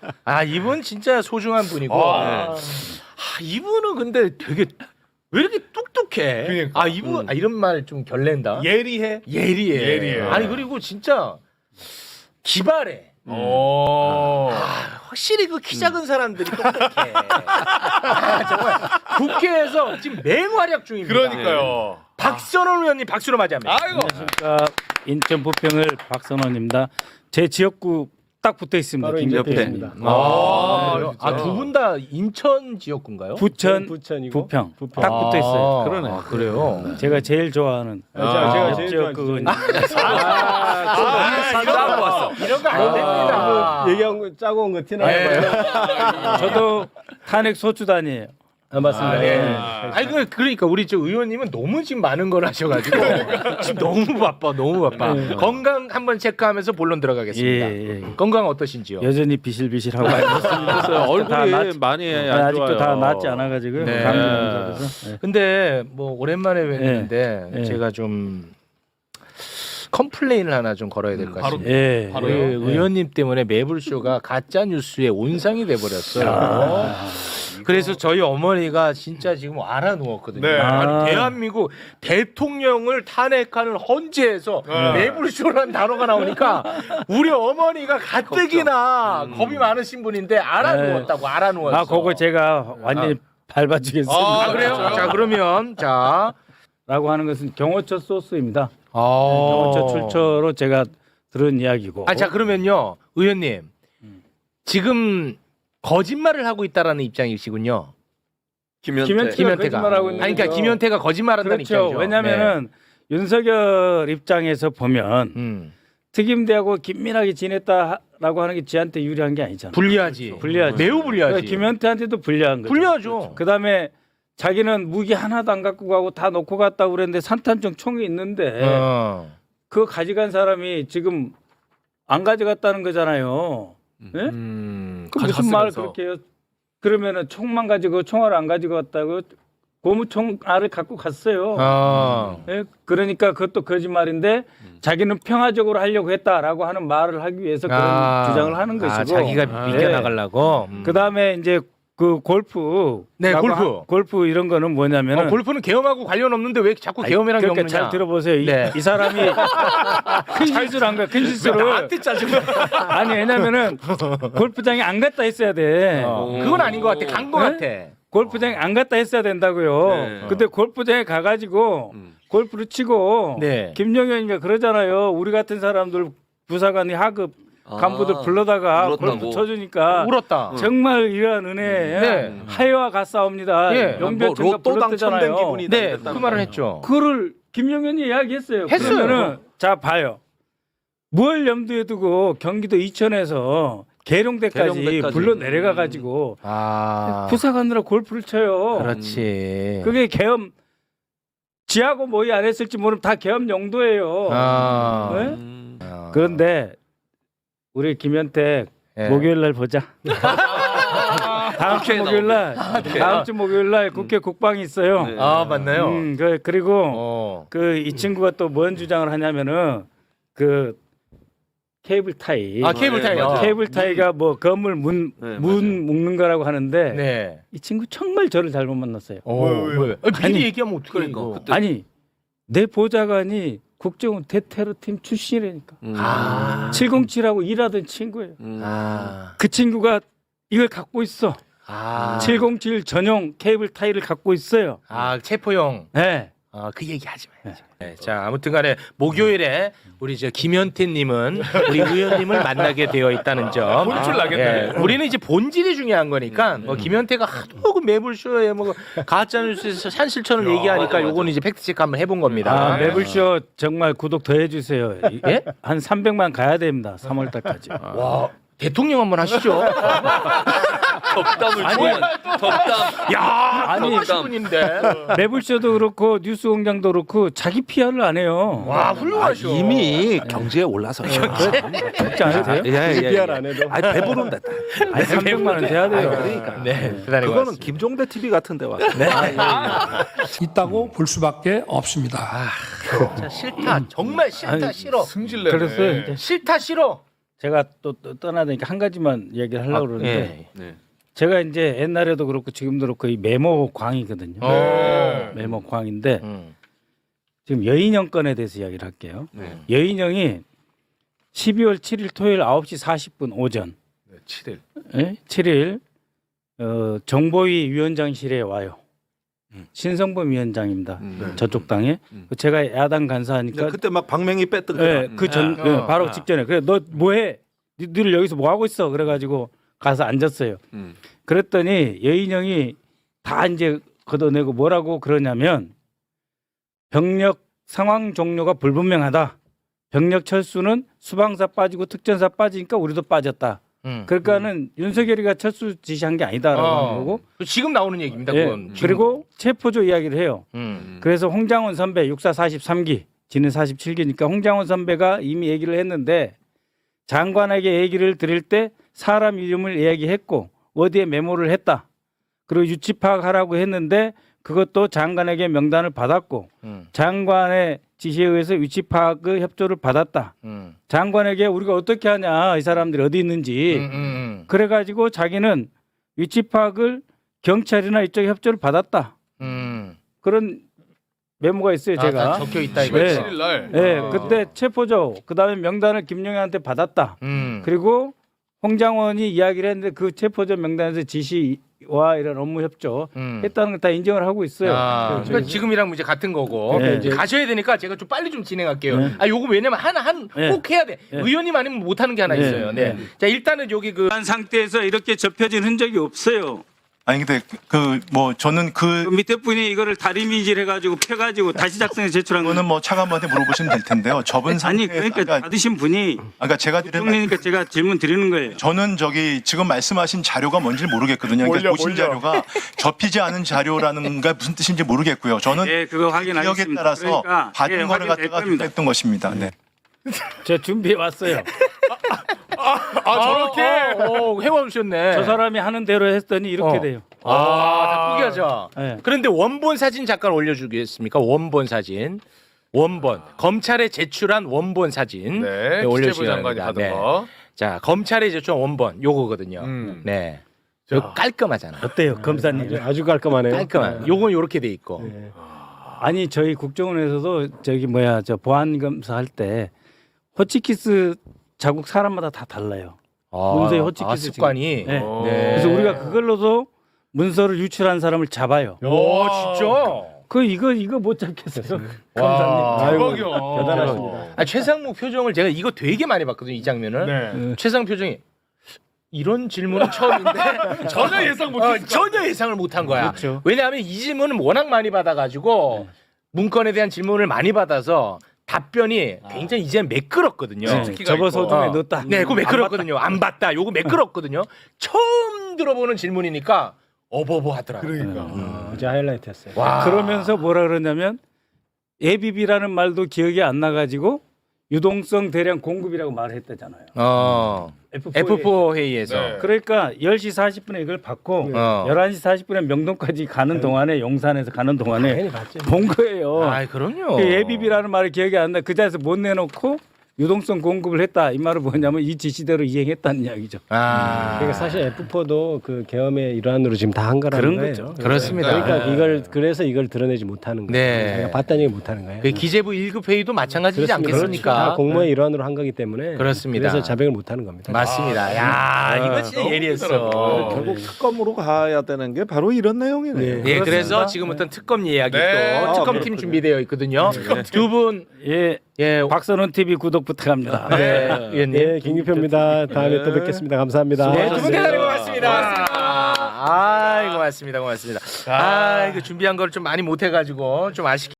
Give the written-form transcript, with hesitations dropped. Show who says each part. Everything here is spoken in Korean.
Speaker 1: 아 이분 진짜 소중한 분이고. 이분은 근데 되게 왜 이렇게 똑똑해?
Speaker 2: 그러니까.
Speaker 1: 아 이분 이런 말 좀 결례다.
Speaker 2: 예리해.
Speaker 1: 예리해. 아니 그리고 진짜 기발해. 확실히 그 키 작은 사람들이 똑똑해. 정말 국회에서 지금 맹활약 중입니다.
Speaker 2: 그러니까요.
Speaker 1: 박선원 의원님 박수로 맞이합니다.
Speaker 2: 아이고.
Speaker 3: 안녕하십니까. 인천 부평을 박선원입니다. 제 지역구 딱 붙어 있습니다. 김옆에입니다.
Speaker 1: 두 분 다 인천 지역군가요?
Speaker 3: 부천,
Speaker 4: 부천이고
Speaker 3: 부평 딱 붙어 있어요.
Speaker 1: 그러네. 그래요.
Speaker 3: 제가 제일 좋아하는
Speaker 4: 제가 제일
Speaker 3: 지역구.
Speaker 1: 싸고 왔어. 이런 거 안 됩니다.
Speaker 4: 얘기한 거 짜고 온 거 티나요?
Speaker 3: 저도 탄핵 소주단이에요.
Speaker 4: 맞습니다.
Speaker 1: 네. 아니 그러니까 우리 저 의원님은 너무 지금 많은 걸 하셔가지고 지금 너무 바빠. 건강 한번 체크하면서 본론 들어가겠습니다.
Speaker 3: 예.
Speaker 1: 건강 어떠신지요?
Speaker 3: 여전히 비실비실하고 있습니다.
Speaker 5: 얼굴이 많이 안
Speaker 3: 아직도
Speaker 5: 좋아요.
Speaker 3: 다 낫지 않아가지고
Speaker 1: 네.
Speaker 3: 감기 걸려서.
Speaker 1: 근데 뭐 오랜만에 뵀는데
Speaker 3: 네.
Speaker 1: 제가 좀 컴플레인을 하나 좀 걸어야 될 것 같습니다.
Speaker 3: 예.
Speaker 1: 우리 의원님 때문에 매불쇼가 가짜 뉴스의 온상이 돼 버렸어요. 그래서 저희 어머니가 진짜 지금 알아 누웠거든요.
Speaker 2: 네.
Speaker 1: 아니, 대한민국 대통령을 탄핵하는 헌재에서 매불쇼라는 단어가 나오니까 우리 어머니가 가뜩이나 겁이 많으신 분인데 알아 누웠다고 알아 누웠어.
Speaker 3: 아, 그거 제가 완전히 밟아주겠습니다.
Speaker 1: 그래요? 자 그러면
Speaker 3: 라고 하는 것은 경호처 소스입니다.
Speaker 1: 경호처
Speaker 3: 경호처 출처로 제가 들은 이야기고.
Speaker 1: 자 그러면요 의원님 지금 거짓말을 하고 있다라는 입장이시군요.
Speaker 5: 김현태.
Speaker 3: 김현태가 거짓말하고 있는
Speaker 1: 아니, 그러니까
Speaker 3: 거죠.
Speaker 1: 김현태가 거짓말한다는
Speaker 3: 그렇죠.
Speaker 1: 입장이죠.
Speaker 3: 왜냐하면은 윤석열 입장에서 보면
Speaker 1: 네.
Speaker 3: 특임대하고 긴밀하게 지냈다라고 하는 게 지한테 유리한 게 아니잖아요.
Speaker 1: 불리하지.
Speaker 3: 그러니까
Speaker 1: 매우 불리하지.
Speaker 3: 김현태한테도 불리한 거죠.
Speaker 1: 불리하죠.
Speaker 3: 그다음에 자기는 무기 하나도 안 갖고 가고 다 놓고 갔다고 그랬는데 산탄총 총이 있는데 그거 가져간 사람이 지금 안 가져갔다는 거잖아요. 예? 그 무슨 말 그렇게 해요? 그러면은 총만 가지고 총알 안 가지고 갔다고 고무총알을 갖고 갔어요. 예? 그러니까 그것도 거짓말인데 자기는 평화적으로 하려고 했다라고 하는 말을 하기 위해서 그런 주장을 하는 것이고
Speaker 1: 자기가 비껴 나가려고.
Speaker 3: 그다음에 이제 그 골프
Speaker 1: 네,
Speaker 3: 골프 이런 거는 뭐냐면은
Speaker 1: 골프는 계엄하고 관련 없는데 왜 자꾸 계엄이랑
Speaker 3: 그러니까
Speaker 1: 엮느냐?
Speaker 3: 잘 들어보세요.
Speaker 1: 네.
Speaker 3: 이 사람이 큰 실수를 한 거야. 큰 실수를.
Speaker 1: 나한테 짜증나.
Speaker 3: 아니 왜냐면은 골프장에 안 갔다 했어야 돼.
Speaker 1: 그건 아닌 것 같아. 간 것 같아.
Speaker 3: 골프장에 안 갔다 했어야 된다고요.
Speaker 5: 네.
Speaker 3: 근데 골프장에 가가지고 골프를 치고
Speaker 1: 네.
Speaker 3: 김영현이가 그러잖아요. 우리 같은 사람들 부사관이 하급 간부들 불러다가
Speaker 5: 울었다고.
Speaker 3: 골프 쳐주니까
Speaker 1: 울었다.
Speaker 3: 정말 이러한 은혜
Speaker 1: 네.
Speaker 3: 하여와 같사옵니다.
Speaker 1: 예.
Speaker 3: 용병총가
Speaker 5: 로또 당첨된
Speaker 3: 불렀대잖아요.
Speaker 5: 기분이
Speaker 1: 네, 그 말을 했죠.
Speaker 3: 그거를 김영현이 이야기했어요.
Speaker 1: 했어요.
Speaker 3: 그러면은 자 봐요. 뭘 염두에 두고 경기도 이천에서 계룡대까지
Speaker 5: 계룡대까지.
Speaker 3: 불러 내려가 가지고 부사관으로 골프를 쳐요.
Speaker 1: 그렇지.
Speaker 3: 그게 계엄 지하고 모의 안 했을지 모르면 다 계엄 용도예요. 네? 그런데 우리 김현태
Speaker 1: 예.
Speaker 3: 목요일 날 보자. 다음 주 목요일 날 국회 국방이 있어요.
Speaker 5: 네.
Speaker 1: 맞나요?
Speaker 3: 그리고 그 이 친구가 또 뭔 주장을 하냐면은 그 케이블 타이.
Speaker 1: 케이블 타이.
Speaker 3: 케이블 타이가 뭐 건물 문 묶는 거라고 하는데
Speaker 1: 네.
Speaker 3: 이 친구 정말 저를 잘못 만났어요.
Speaker 1: 왜? 미리 얘기하면 어떻게
Speaker 5: 그러니까,
Speaker 1: 이거?
Speaker 5: 그때-
Speaker 3: 아니 내 보좌관이 국정원 대테러팀 출신이라니까. 707하고 일하던 친구예요. 그 친구가 이걸 갖고 있어. 707 전용 케이블 타이를 갖고 있어요.
Speaker 1: 체포용.
Speaker 3: 네.
Speaker 1: 그 얘기 하지 말자. 네, 자, 아무튼간에 목요일에 우리 저 김현태님은 우리 의원님을 만나게 되어 있다는 점.
Speaker 2: 혼쭐 나겠네.
Speaker 1: 우리는 이제 본질이 중요한 거니까 뭐 김현태가 하도 그 매불쇼에 뭐 가짜뉴스에서 산실천을 얘기하니까 요거는 이제 팩트체크 한번 해본 겁니다.
Speaker 3: 매불쇼 정말 구독 더 해주세요.
Speaker 1: 예?
Speaker 3: 한 300만 가야 됩니다. 3월달까지.
Speaker 1: 와, 대통령 한번 하시죠.
Speaker 5: 덕담을 주면 덕담.
Speaker 1: 야,
Speaker 3: 아니,
Speaker 1: 80분인데.
Speaker 3: 매불쇼도 그렇고 뉴스공장도 그렇고 자기 PR을 안 해요.
Speaker 1: 와, 훌륭하셔.
Speaker 6: 이미 경제에 올라서요.
Speaker 3: 진짜 안 해도 돼요?
Speaker 4: PR 안 해도.
Speaker 6: 아니 배부른다.
Speaker 3: 아니 300만 원 돼야 돼요.
Speaker 6: 그러니까.
Speaker 1: 네, 대단히
Speaker 6: 그거는
Speaker 1: 고맙습니다.
Speaker 6: 김종대 TV 같은데 와서.
Speaker 7: 있다고 볼 수밖에 없습니다.
Speaker 1: 진짜 싫다. 정말 싫다. 싫어.
Speaker 2: 승질내네.
Speaker 3: 그랬어요. 이제.
Speaker 1: 싫다 싫어.
Speaker 3: 제가 또 떠나야 되니까 한 가지만 얘기를 하려고 그러는데
Speaker 5: 네.
Speaker 3: 제가 이제 옛날에도 그렇고 지금도 그렇고 이 메모 광이거든요. 메모 광인데 지금 여인형 건에 대해서 이야기를 할게요.
Speaker 5: 네.
Speaker 3: 여인형이 12월 7일 토요일 9시 40분 오전
Speaker 1: 7일.
Speaker 3: 7일 정보위 위원장실에 와요. 신성범 위원장입니다. 저쪽 당에 제가 야당 간사하니까
Speaker 6: 그때 막 박명희 뺐던 거.
Speaker 3: 네, 바로 직전에 그래 너 뭐해? 니들 여기서 뭐 하고 있어? 그래가지고 가서 앉았어요. 그랬더니 여인형이 다 이제 걷어내고 뭐라고 그러냐면 병력 상황 종료가 불분명하다. 병력 철수는 수방사 빠지고 특전사 빠지니까 우리도 빠졌다. 그러니까는 윤석열이가 철수 지시한 게 아니다라고 하는 거고.
Speaker 1: 지금 나오는 얘기입니다.
Speaker 3: 예,
Speaker 1: 그건.
Speaker 3: 그리고 체포조 이야기를 해요.
Speaker 5: 음.
Speaker 3: 그래서 홍장원 선배 육사 43기, 지는 47기니까 홍장원 선배가 이미 얘기를 했는데 장관에게 얘기를 드릴 때 사람 이름을 이야기했고 어디에 메모를 했다. 그리고 유치 파악하라고 했는데 그것도 장관에게 명단을 받았고 장관의 지시에 의해서 위치 파악의 협조를 받았다. 장관에게 우리가 어떻게 하냐 이 사람들이 어디 있는지 그래가지고 자기는 위치 파악을 경찰이나 이쪽에 협조를 받았다. 그런 메모가 있어요. 제가
Speaker 1: 다 적혀 있다 이거.
Speaker 3: 네.
Speaker 2: 7일 날.
Speaker 3: 네, 그때 체포죠. 그다음에 명단을 김용현한테 받았다. 그리고 홍장원이 이야기를 했는데 그 체포조 명단에서 지시와 이런 업무 협조 했다는 걸 다 인정을 하고 있어요.
Speaker 1: 그러니까 지금이랑 이제 같은 거고
Speaker 3: 네.
Speaker 1: 이제 가셔야 되니까 제가 좀 빨리 좀 진행할게요.
Speaker 3: 네.
Speaker 1: 요거 왜냐면 하나
Speaker 3: 네.
Speaker 1: 꼭 해야 돼.
Speaker 3: 네.
Speaker 1: 의원님 아니면 못 하는 게 하나
Speaker 3: 네.
Speaker 1: 있어요. 네.
Speaker 3: 네.
Speaker 1: 자 일단은 여기 그
Speaker 3: 한 상태에서 이렇게 접혀진 흔적이 없어요.
Speaker 7: 아니 근데 저는
Speaker 3: 그 밑에 분이 이거를 다리미질 해가지고 펴가지고 다시 작성해 제출한
Speaker 7: 그거는 뭐 차관한테 물어보시면 될 텐데요. 접은
Speaker 3: 아니
Speaker 7: 상태에서
Speaker 3: 그러니까 받으신 분이
Speaker 7: 아까 제가 드린
Speaker 3: 총리니까 제가 질문 드리는 거예요.
Speaker 7: 저는 지금 말씀하신 자료가 뭔지 모르겠거든요. 그러니까 보신 자료가 접히지 않은 자료라는 게 무슨 뜻인지 모르겠고요. 저는
Speaker 3: 네, 그거
Speaker 7: 기억에
Speaker 3: 확인하겠습니다.
Speaker 7: 따라서
Speaker 3: 그러니까,
Speaker 7: 받은
Speaker 3: 예,
Speaker 7: 거를
Speaker 3: 확인될
Speaker 7: 갖다가
Speaker 3: 겁니다.
Speaker 7: 했던 것입니다. 네.
Speaker 3: 제가 준비해 왔어요.
Speaker 1: 저렇게 해와주셨네.
Speaker 3: 저 사람이 하는 대로 했더니 이렇게 돼요.
Speaker 1: 다 포기하자.
Speaker 3: 네.
Speaker 1: 그런데 원본 사진 잠깐 올려주겠습니까? 원본 사진. 원본 검찰에 제출한 원본 사진
Speaker 2: 네.
Speaker 1: 올려주시기
Speaker 2: 기재부 장관이
Speaker 1: 바랍니다.
Speaker 2: 받은
Speaker 1: 네.
Speaker 2: 거.
Speaker 1: 자 검찰에 제출한 원본 요거거든요. 네. 요 깔끔하잖아.
Speaker 3: 어때요, 검사님?
Speaker 4: 아주 깔끔하네요.
Speaker 1: 깔끔한. 요건 요렇게 돼 있고.
Speaker 3: 아니 저희 국정원에서도 저 보안 검사 할 때 호치키스 자국 사람마다 다 달라요. 문서의 호치키스
Speaker 1: 습관이.
Speaker 3: 네.
Speaker 2: 오.
Speaker 3: 그래서 우리가 그걸로도 문서를 유출한 사람을 잡아요.
Speaker 1: 오 진짜.
Speaker 3: 이거 못 잡겠어요.
Speaker 1: 와.
Speaker 3: 검사님.
Speaker 2: 대박이야.
Speaker 4: 대단하십니다.
Speaker 1: 최상무 표정을 제가 이거 되게 많이 봤거든요. 이 장면을.
Speaker 2: 네.
Speaker 1: 최상 표정이 이런 질문은 처음인데
Speaker 2: 전혀 예상 못했어.
Speaker 1: 전혀 예상을 못한 거야.
Speaker 3: 그렇죠.
Speaker 1: 왜냐하면 이 질문은 워낙 많이 받아가지고 문건에 대한 질문을 많이 받아서 답변이 굉장히 이제 매끄럽거든요.
Speaker 3: 네. 접어 소중에 넣었다.
Speaker 1: 네, 그거 매끄럽거든요. 안 봤다. 요거 매끄럽거든요. 처음 들어보는 질문이니까 어버버하더라고요.
Speaker 2: 그러니까.
Speaker 4: 어제 하이라이트였어요.
Speaker 1: 와.
Speaker 3: 그러면서 뭐라 그러냐면 ABB라는 말도 기억이 안 나가지고 유동성 대량 공급이라고 말을 했다잖아요.
Speaker 1: F4 회의에서.
Speaker 2: 네.
Speaker 3: 그러니까 10시 40분에 이걸 받고 11시 40분에 명동까지 가는 동안에 용산에서 가는 동안에
Speaker 4: 당연히 봤죠.
Speaker 3: 본 거예요.
Speaker 1: 아, 그럼요.
Speaker 3: 그 ABB라는 말이 기억이 안 나. 그 자리에서 못 내놓고 유동성 공급을 했다. 이 말은 뭐냐면 이 지시대로 이행했다는 이야기죠.
Speaker 4: 그러니까 사실 F4도 그 계엄의 일환으로 지금 다 한 거라는
Speaker 3: 그런
Speaker 4: 거예요.
Speaker 3: 거죠.
Speaker 1: 그렇습니다.
Speaker 4: 그러니까 그래서 이걸 드러내지 못하는 거예요.
Speaker 1: 네.
Speaker 4: 자기가 봤다는 얘기 못하는 거예요.
Speaker 1: 그 기재부 1급 회의도 마찬가지지
Speaker 4: 그렇습니다. 다
Speaker 1: 않겠습니까?
Speaker 4: 공무원의 일환으로 한 거기 때문에
Speaker 1: 그렇습니다.
Speaker 4: 그래서 자백을 못하는 겁니다.
Speaker 1: 맞습니다. 야, 이거 진짜 예리했어.
Speaker 6: 결국 특검으로 가야 되는 게 바로 이런 내용이네요.
Speaker 1: 예, 그래서
Speaker 3: 그렇습니다.
Speaker 1: 지금부터 특검 이야기
Speaker 2: 네.
Speaker 1: 또 특검팀
Speaker 6: 그렇군요.
Speaker 1: 준비되어 있거든요. 두 분,
Speaker 3: 예,
Speaker 1: 예,
Speaker 3: 박선원 TV 구독 부탁합니다.
Speaker 1: 네, 의원님.
Speaker 4: 네, 김기표입니다. 다음에 또 뵙겠습니다. 감사합니다.
Speaker 1: 네, 두 분 대단히 고맙습니다. 고맙습니다. 고맙습니다. 아, 이거 준비한 걸 좀 많이 못해가지고 좀 아쉽게.